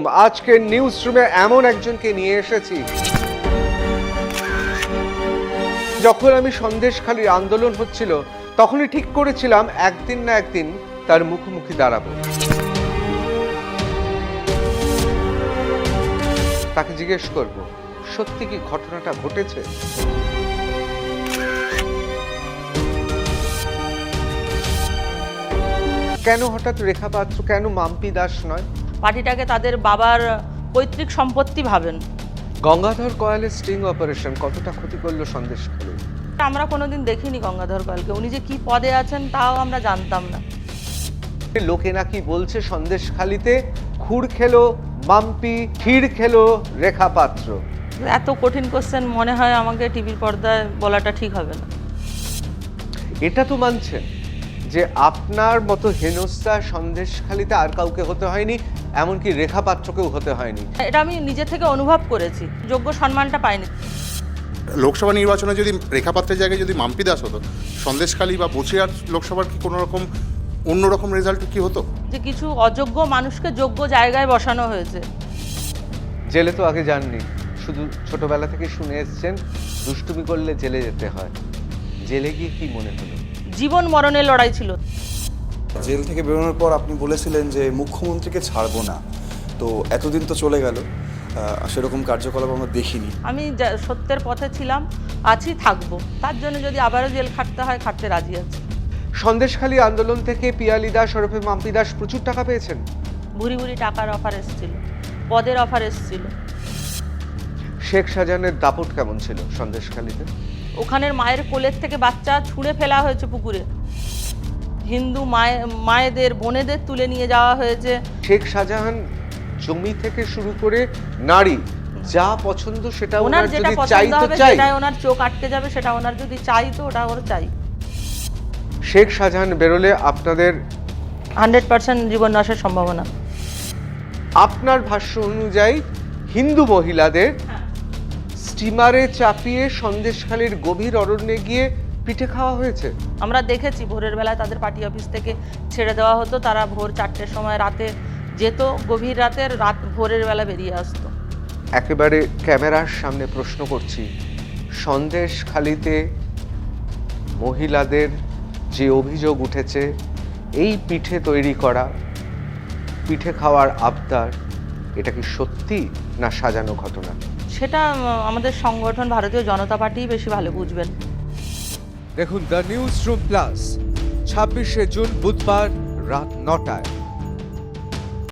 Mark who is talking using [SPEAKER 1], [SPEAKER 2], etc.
[SPEAKER 1] আজকের নিউজ রুমে এমন একজনকে নিয়ে এসেছি, যখন আমি সন্দেশখালির আন্দোলন হচ্ছিল তখনই ঠিক করেছিলাম একদিন না একদিন তার মুখোমুখি দাঁড়াবো। তাকে জিজ্ঞেস করব, সত্যি কি ঘটনাটা ঘটেছে? কেন হঠাৎ রেখা পাত্র, কেন মাম্পি দাস নয়?
[SPEAKER 2] পার্টিটাকে তাদের বাবার পৈতৃক সম্পত্তি ভাবেন।
[SPEAKER 1] গঙ্গাধর কয়ালের স্টিং অপারেশন কতটা ক্ষতি করলো সন্দেশখালী?
[SPEAKER 2] আমরা কোনোদিন দেখিনি গঙ্গাধর কয়ালকে, উনি যে কি পদে আছেন তাও আমরা জানতাম না।
[SPEAKER 1] লোকে নাকি বলছে সন্দেশখালীতে খুর খেলো মাম্পি, ক্ষীর খেলো রেখা পাত্র।
[SPEAKER 2] এত কঠিন কোশ্চেন মনে হয় আমাকে টিভির পর্দায় বলাটা ঠিক হবে না।
[SPEAKER 1] এটা তো মানছেন যে আপনার মতো হেনস্থা সন্দেশখালীতে আর কাউকে হতে হয়নি, এমনকি রেখা পাত্রকেও হতে হয়নি।
[SPEAKER 2] এটা আমি নিজে থেকে অনুভব করেছি, যোগ্য সম্মানটা পাইনি।
[SPEAKER 3] লোকসভা নির্বাচনে যদি রেখা পাত্রের জায়গায় যদি মাম্পি দাস হতো, সন্দেশখালী বা বসিরহাট লোকসভার কি কোনো রকম অন্যরকম রেজাল্ট কি হতো?
[SPEAKER 2] যে কিছু অযোগ্য মানুষকে যোগ্য জায়গায় বসানো হয়েছে।
[SPEAKER 1] জেলে তো আগে যাননি, শুধু ছোটবেলা থেকে শুনে এসছেন দুষ্টুমি করলে জেলে যেতে হয়। জেলে গিয়ে কি মনে হলো?
[SPEAKER 2] জীবন মরণের লড়াই ছিল।
[SPEAKER 4] জেল থেকে বেরোনোর পর আপনি বলেছিলেন যে মুখ্যমন্ত্রীকে ছাড়বো না, তো এতদিন তো চলে গেল, সেরকম কার্যকলাপ আমরা দেখিনি।
[SPEAKER 2] আমি সত্যের পথে ছিলাম, আছি, থাকবো। তার জন্য যদি আবারও জেল খাটতে হয়, খাটতে রাজি আছি।
[SPEAKER 1] সন্দেশখালী আন্দোলন থেকে পিয়ালি দাস ওরফে মাম্পি দাস প্রচুর টাকা পেয়েছেন।
[SPEAKER 2] ভুরি ভুরি টাকার অফার এসেছিল, পদের অফার এসেছিল।
[SPEAKER 1] শেখ শাহজাহানের দাপট কেমন ছিল সন্দেশখালীতে?
[SPEAKER 2] ওখানের মায়ের কোলের থেকে বাচ্চা ছুঁড়ে ফেলা হয়েছে পুকুরে, হিন্দু মায়েদের বোনেদের তুলে নিয়ে যাওয়া হয়েছে।
[SPEAKER 1] শেখ শাহজাহান জমি থেকে শুরু করে নারী যা পছন্দ সেটা
[SPEAKER 2] ওনার
[SPEAKER 1] ওনার
[SPEAKER 2] যেটা
[SPEAKER 1] যদি
[SPEAKER 2] পছন্দ
[SPEAKER 1] চাই তো
[SPEAKER 2] হবে
[SPEAKER 1] চাই।
[SPEAKER 2] সেটাই ওনার চোখ আটকে যাবে, সেটা ওনার যদি চাই তো ওটা ওর চাই।
[SPEAKER 1] শেখ শাহজাহান বেরোলে আপনাদের
[SPEAKER 2] 100% জীবন নাশের সম্ভাবনা।
[SPEAKER 1] আপনার ভাষ্য অনুযায়ী হিন্দু মহিলাদের স্টিমারে চাপিয়ে সন্দেশখালীর গভীর অরণ্যে গিয়ে পিঠে খাওয়া হয়েছে।
[SPEAKER 2] আমরা দেখেছি ভোরের বেলায় তাদের পার্টি অফিস থেকে ছেড়ে দেওয়া হতো, তারা ভোর 4টের সময় রাতে যেত, গভীর রাতের ভোরের বেলা বেরিয়ে আসতো।
[SPEAKER 1] একেবারে ক্যামেরার সামনে প্রশ্ন করছি, সন্দেশখালীতে মহিলাদের যে অভিযোগ উঠেছে, এই পিঠে তৈরি করা, পিঠে খাওয়ার আবদার, এটা কি সত্যি না সাজানো ঘটনা?
[SPEAKER 2] সেটা আমাদের সংগঠন ভারতীয় জনতা পার্টি বেশি ভালো বুঝবেন।
[SPEAKER 1] দেখুন দ্য নিউজ রুম প্লাস 26শে জুন বুধবার রাত 9টায়।